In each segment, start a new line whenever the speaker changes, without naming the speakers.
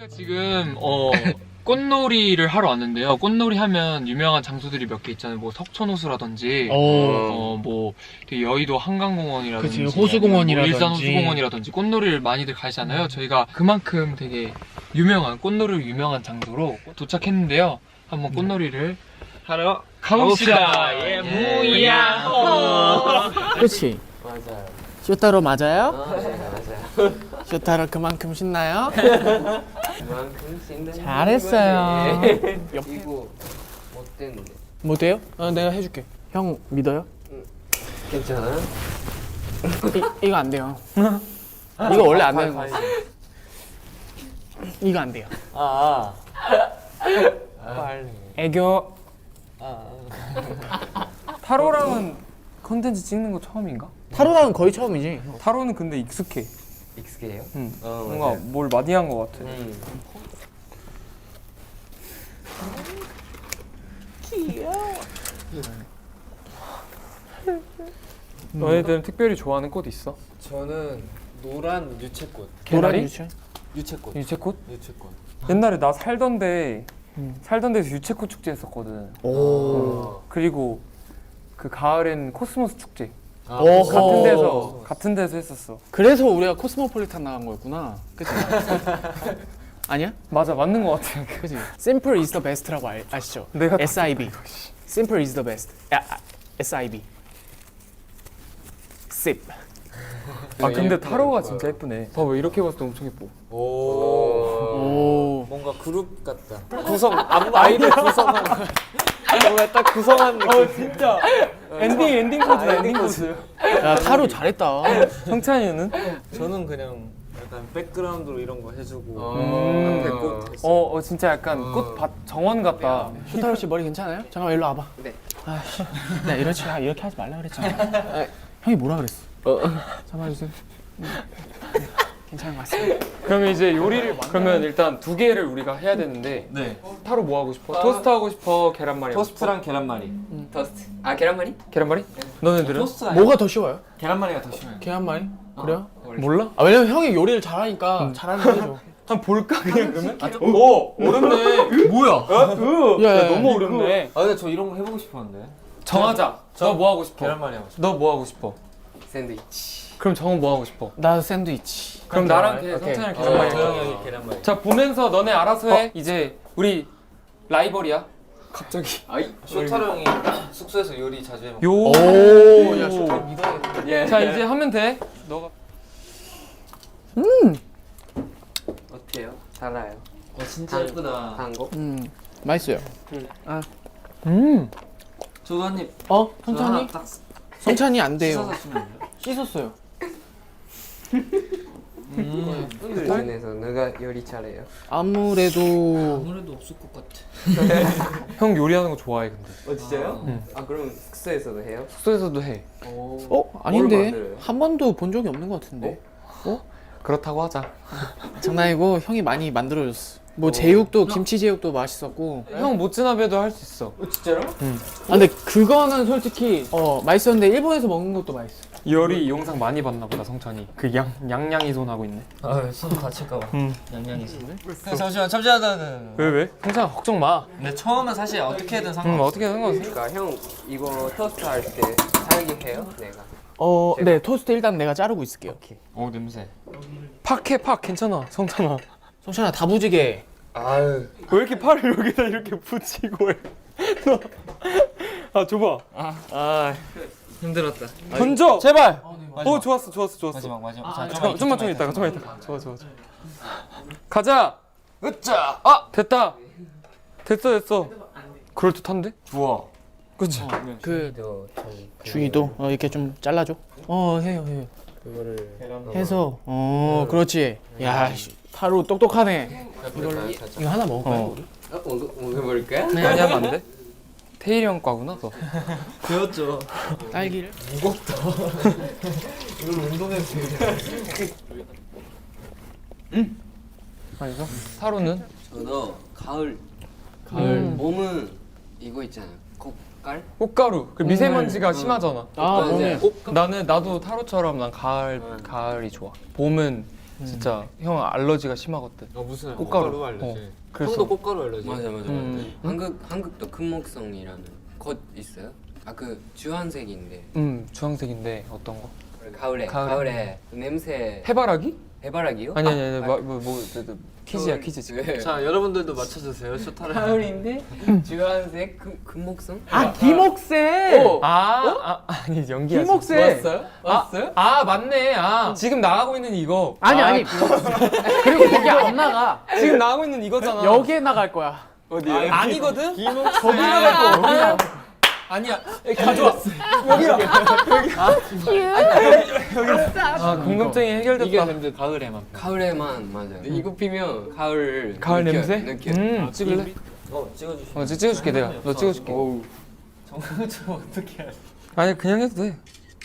저희가 지금 꽃놀이를 하러 왔는데요. 꽃놀이 하면 유명한 장소들이 몇 개 있잖아요. 뭐 석촌호수라든지, 뭐 되게 여의도 한강공원이라든지,
그치, 호수공원이라든지.
뭐 일산 호수공원이라든지 꽃놀이를 많이들 가시잖아요. 저희가 그만큼 되게 꽃놀이로 유명한 장소로 도착했는데요. 한번 꽃놀이를 하러 가봅시다. 예, 무야.
그치?
맞아요.
쇼타로 맞아요?
네, 맞아요.
쇼타로 그만큼 신나요?
그만큼 신나는
잘했어요.
거지. 이거 못됐는데.
못해요? 내가 해줄게. 형 믿어요?
괜찮아?
이거 안 돼요. 이거 원래 안 되는 거야. 이거 안 돼요.
빨리.
애교.
타로랑은 컨텐츠 찍는 거 처음인가?
타로랑은 거의 처음이지.
타로는 근데 익숙해.
익숙해요?
응.
뭔가
뭔가 뭘 많이 한 거 같아. 너희들은 특별히 좋아하는 꽃 있어?
저는 노란 유채꽃.
개나리?
유채?
유채꽃.
유채꽃?
유채꽃.
옛날에 나 살던 데서 유채꽃 축제 했었거든.
오.
그리고 그 가을엔 코스모스 축제.
오호.
같은 데서 했었어.
그래서 우리가 코스모폴리탄 나간 거였구나. 그치? 아니야?
맞아, 맞는 거 같아.
그치? Simple is the best라고 아시죠?
내가
SIB. Simple is the best. SIB. SIP.
아 근데 타로가 진짜 예쁘네. 봐봐, 이렇게 봤을 때 엄청 예뻐.
오.
뭔가 그룹 같다. 아이돌 구성한. 뭔가 딱 구성한 느낌.
진짜. 엔딩 코드다, 엔딩 코드.
야, 타로 잘했다.
성찬이는?
저는 그냥 약간 백그라운드로 이런 거 해주고
음.
앞에 꽃 했어.
진짜 약간 꽃밭 정원 같다.
쇼타로 씨 머리 괜찮아요? 잠깐만 일로 와봐.
네.
아씨, 나 이렇게 하지 말라 그랬잖아. 형이 뭐라 그랬어? 잡아주세요. 괜찮은 것 같습니다.
그러면 이제 그러면 일단 두 개를 우리가 해야 되는데
네.
타로 뭐 하고 싶어? 토스트 하고 싶어? 계란말이 하고 싶어?
토스트랑 계란말이.
토스트. 계란말이?
계란말이? 너네들은?
토스트 아니야?
뭐가 더 쉬워요?
계란말이가 더 쉬워요.
계란말이? 그래요?
몰라?
아 왜냐면 형이 요리를 잘하니까 잘하는 거 해줘.
한번 볼까 그냥 그러면?
오 어렵네. 뭐야?
야,
너무 어렵네.
아 근데 저 이런 거 해보고 싶었는데.
정하자. 너 뭐 하고 싶어?
계란말이 하고 싶어.
너 뭐 하고 싶어?
샌드위치.
그럼 정은 뭐 하고 싶어?
나 샌드위치.
그럼 나랑
오케이.
성찬이랑
저
계란말이.
형이 계란말이.
자, 보면서 너네 알아서 해. 이제 우리 라이벌이야. 갑자기.
아이 쇼타로 형이 숙소에서 요리 자주 해먹고.
요.
오, 야 쇼타 믿어야겠다.
예.
자, 이제 하면 돼. 너가.
어때요? 달아요.
진짜 예쁘다.
한국?
맛있어요.
저도 한 입.
성찬이?
딱
성찬이 안 돼요.
씻어서 주면 안 돼요?
씻었어요.
그 중에서 누가 요리 잘해요?
아무래도
아무래도 없을 것 같아.
형 요리하는 거 좋아해, 근데.
진짜요? 그럼 숙소에서도 해요?
숙소에서도 해.
아닌데
만들어요?
한 번도 본 적이 없는 것 같은데.
그렇다고 하자.
장난이고 형이 많이 만들어줬어. 뭐 제육도 김치 제육도 맛있었고.
형 모츠나베도 할 수 있어.
진짜로?
근데 그거는 솔직히 맛있었는데 일본에서 먹는 것도 맛있어.
요리 영상 많이 봤나 보다, 성찬이. 그 양양이 손 하고 있네.
아손 다칠까봐.
응.
양양이 손. 잠시만.
왜? 성찬아 걱정 마.
근데 처음은 사실 어떻게든
응,
상관없어.
어떻게 하는 거지?
그러니까 형 이거 토스트 할 때 잘게 해요? 내가.
네 토스트 일단 내가 자르고 있을게요.
오 냄새.
팍해, 팍. 괜찮아, 성찬아.
성찬아 다부지게.
아유.
왜 이렇게 팔을 여기다 이렇게 붙이고 해? 너. 아, 줘봐.
힘들었다.
던져!
제발.
좋았어.
마지막.
좀만 있다가. 좋아. 가자!
으짜.
됐다. 됐어. 그럴듯한데?
좋아.
그치?
그
또 저희
주의도 이렇게 좀 잘라줘. 해요.
그거를
해서 그렇지. 야 타로 똑똑하네. 이거 하나 먹을까요? 우리?
먹어볼까요?
네.
많이 하면 안 돼? 태일이 형 과구나? 너.
배웠죠.
딸기를.
이걸 운동해서
아니죠? 타로는?
저도 가을 봄은 이거 있잖아요. 꽃갈?
꽃가루. 그 미세먼지가 심하잖아.
봄에.
나도 타로처럼 난 가을이 좋아. 봄은
진짜 형 알러지가 심하거든.
무슨
꽃가루
알러지.
그래서
형도 꽃가루 알러지.
맞아. 한국도 금목성이라는 꽃 있어요? 아 그 주황색인데
주황색인데 어떤 거?
가을에 그 냄새
해바라기?
해바라기요?
아니 퀴즈야 퀴즈 지금.
자 여러분들도 맞춰주세요. 쇼타를.
가을인데 주황색 금목성?
아 김옥세.
아니 연기야.
김옥세.
왔어요?
맞네. 지금 나가고 있는 이거.
아니 그리고 거기 안 나가.
지금 나가고 있는 이거잖아.
여기에 나갈 거야.
어디? 아니거든?
거기 나갈 거야.
아니야. 가져와. 여기야. 궁금증이 해결됐다.
이게 근데 가을에만.
가을에만 맞아요. 이거 피면 가을
냄새?
느껴.
찍을래?
찍어주시.
찍어줄게 내가. 너 찍어줄게.
정말 좀 어떻게 해?
아니 그냥 해도 돼.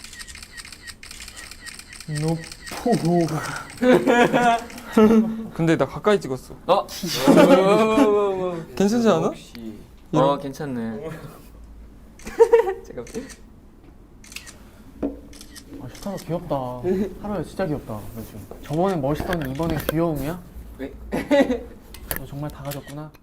근데 나 가까이 찍었어. 괜찮지 않아?
괜찮네.
슈타가 귀엽다. 하루야 진짜 귀엽다. 요즘. 저번에 멋있었는데 이번엔 귀여움이야?
왜?
너 정말 다 가졌구나.